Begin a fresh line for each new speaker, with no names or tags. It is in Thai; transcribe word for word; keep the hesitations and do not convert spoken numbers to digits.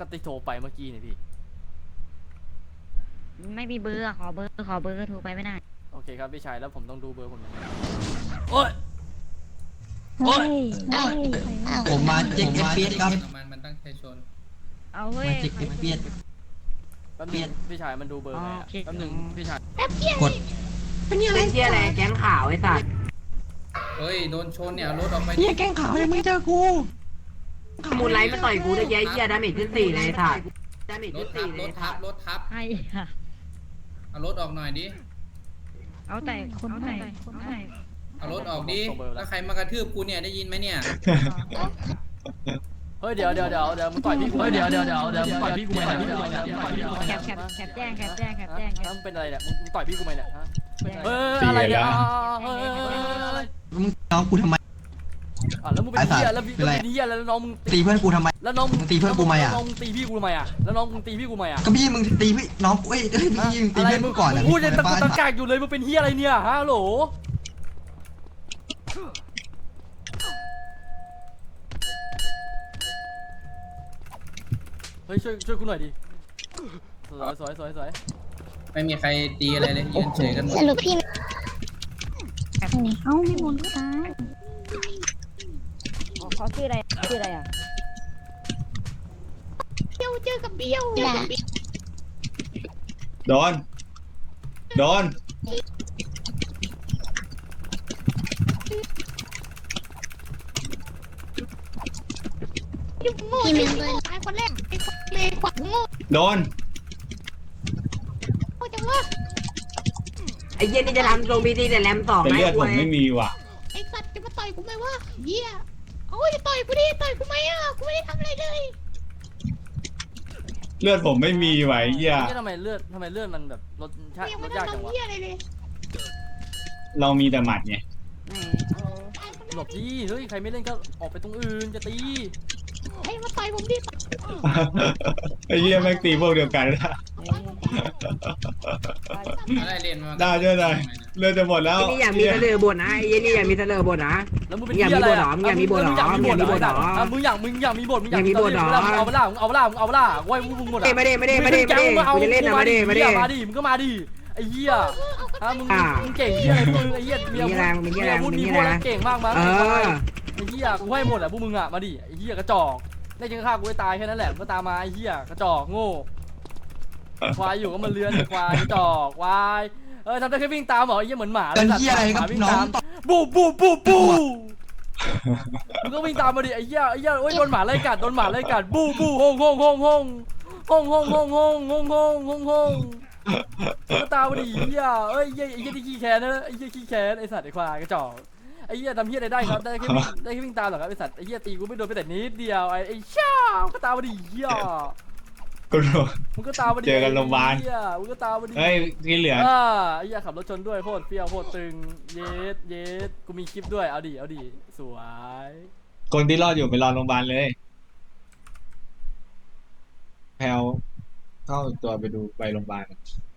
ก็ติโทรไปเมื่อกี้นี่พี่
ไม่มีเบอร์ขอเบอร์ขอเบอร์โทรไปไม่ได้
โอเคครับพี่ชายแล้วผมต้องดูเบอร์ผมยังไงโอ้ย
โอ้ย
ผมมาเจ็กเปียดครับ
มันมันตั้งใจชน
เอาเว้ย
มาเจ็กเปียด
แป๊บนึงพี่ชายมันดูเบอร์ไงอะแป๊บนึงพี่ชาย
กด
เป็นยังไงเชี่ยอะไรแก๊งขาวไอ้สัตว์
เฮ้ยโดนชนเนี่ยเอารถออกไป
เฮียแกงขาวยังไม่เจอกู
มูลไลท์มาต่อยกูได้ยัยเหี้ยดาเมจขึ้นสี่เลยไอ้สัตว์ดาเมจ
ร
ขึ้
ถ
น
ทั
สี่
บ
เล
ร
ย
ถทับรถทับ
ให้ค่ะ
เอารถออกหน่อยดิ
เอาแต่คนไหนคนไหน
เอารถออกดิแล้วใครมากระทืบกูเนี่ยได้ยินไหมเนี่ย
เฮ้ยเดี๋ยวเดี๋ยวเดี๋ยวเดี๋ยวมึงต่อยพี่กูเฮ้ยเดี๋ยวเดี๋ยวเดี๋ยวเดี๋ยวมึงต่อยพี่กูไหมเนี่ย
แคปแคปแคปแจ้งแคปแจ้งแคปแจ้งแคป
มึงเป็นอะไรเนี่ยมึงต่อยพี่กูไหมเนี่ยฮะ
แจ้ง
เฮ้ยอะไรเนี่ยเฮ้ย
มึงน้องกูทำไม
อ่ะแล้วมึงเป็นเหี้ยแล้วพี่เป็นเหี้ยแล้วน้องมึง
ตีเพื่อนกูทำไม
แล้วน้อง
มึงตีเพื่อนกูไหมอะ
น้องมึงตีพี่กูทำไมอ่ะแล้วน้องมึงตีพี่กูทำไมอ่ะ
ก็พี่มึงตีพี่น้องกูเอ้ยเอ้ยพี่มึงตีเพื่อนกูก่อน
มึ
อะ
งพูดยังตะกุกตะกากอยู่เลยมึงเป็นเหี้ยอะไรเนี่ยฮะโหลเฮ้ยช่วยช่วยกูหน่อยดิสวยสวยสวยสวย
ไม่มีใครตีอะไรเลยยืนเฉยกันหมด
สรุปพี่
เอ้าไม่มนก็ตายเขาชื่ออะไรชื่ออะไรอ่ะ
เบี้ยวเจอกับเบี้ยวอย่า
โดน โดน
โง่พี่เมนเลยตายคนแรกไอ้คนเลวขวัญโง่
โดน
โง่จังวะ
ไอ้เหี้ยนี่จะทำลงบีทีแต่แรมต่อ
แต่
ไหม
เลือด
กู
ผมไม่มีว่ะ
ไอ้สัตว์จะมาต่อยกูไหมวะเหี้ยโอ้ยต่อยกูดิต่อยกูไหมอ่ะกูไม่ได้ทำอะไรเลย
เลือดผมไม่มีไหวเหี้ย
ทำไมเลือดทำไมเลือดมันแบบลดชา
ยัง
ล
ไม่
ด
ได้
ยากจังวะ
ทำเหี้ยอะไรเลย
เรามีแต่หมัดไง
ตายคนแร
หล
ก
บดิเฮ้ยใครไม่เล่นก็ออกไปตรงอื่นจะตี
ไอ้มาต่อยผมดิ
ไอ้เหี้ยแม่งตีพวกเดียวกันนะ
อะไรเรียนมา
ได้ด้วยหน่อยเลือดจะหมดแล้ว
ไอ้นี่อยากมีเสลอบทนะไอ้เหี้ยนี่อยากมีเสลอบทนะ
แล้วมึงเป็น
อยากมี
เหี้ยอะไร
บทเหรอมึงอยากมีบทเหรอ
มึงอยากมีบทเหรอ
มึงอยากมีบทเหรอ
มึงอยากมึงอยากมีบทมึงอยาก
อยากมีบทเหรอ
เอาเปล่ามึงเอาเปล่ามึงเอาเปล่าไว้มึงหมดอ่ะ
ไม่ได้ไม่ได้ไม่ได้ไม่ได้ไม่ได้กูจะเล่นนะไม่ได้ไม่ได้
มาดิมึงก็มาดิไอ้เหี้ยฮะมึง
อ่า
มึงเก่งเหี้ยอะไรมึงไอ้เหี้ย
มีแรงมีแรง
พูด
มี
มี
แรง
พูดเก่งมากมั้ง
เออ
ไอ้เหี้ยกูให้หมดอ่ะพวกมึงอ่ะมาดิไอ้เหี้ยกระจอกได้จังฆ่ากูให้ตายแค่นั้นแหละมึงก็ตามมาไอ้เหี้ยกระจอกโง่ควายอยู่ก็มาเลื้อนควายกระจอกควายเออทำได้แค่วิ่งตามเหรอไอ้เหี้ยเหมือนหมา
เป็นเฮียอะไรครับ
วิ่ง
น้อ
ตาง มบูบูบูบูมึงก็วิ่งตามมาดิไอ้เหี้ยไอ้เหี้ยโอ้ยโดนหมาไล่กัดโดนหมาไล่กัดบูบูฮงฮงฮงฮงฮงฮงฮงฮงฮงฮงฮงฮงก็ตามมาดิไอ้เหี้ยเอ้ยไอ้เหี้ยไอ้เหี้ยที่ขี้แค้นนะไอ้เหี้ยขี้แค้นไอ้สัตว์ไอ้ควายกระจอกไอ้เหี้ยทำเหี้ยอะไรได้ครับได้แค่วิ่งได้แค่วิ่งตามเหรอครับไอ้สัตว์ไอ้เหี้ยตีกูไม่โดนไปแต่นิดเดียวไอ้ไอ้ช่าก็ตามมาดิเหี้ย
กูโดน
มึงก็ตามมาดิ
เจอกันโรงพยาบาล
ไอ้เหี้ยมึงก็ตามมาดิ
เฮ้ยที่เหลือ
อ่าไอ้เหี้ยขับรถชนด้วยโคตรเฟี้ยวโคตรตึงเย็ดเย็ดกูมีคลิปด้วยเอาดิเอาดิสวย
คนที่รอดอยู่ไปรอโรงพยาบาลเลยแพลวเข้าตัวไปดูไปโรงพยาบาล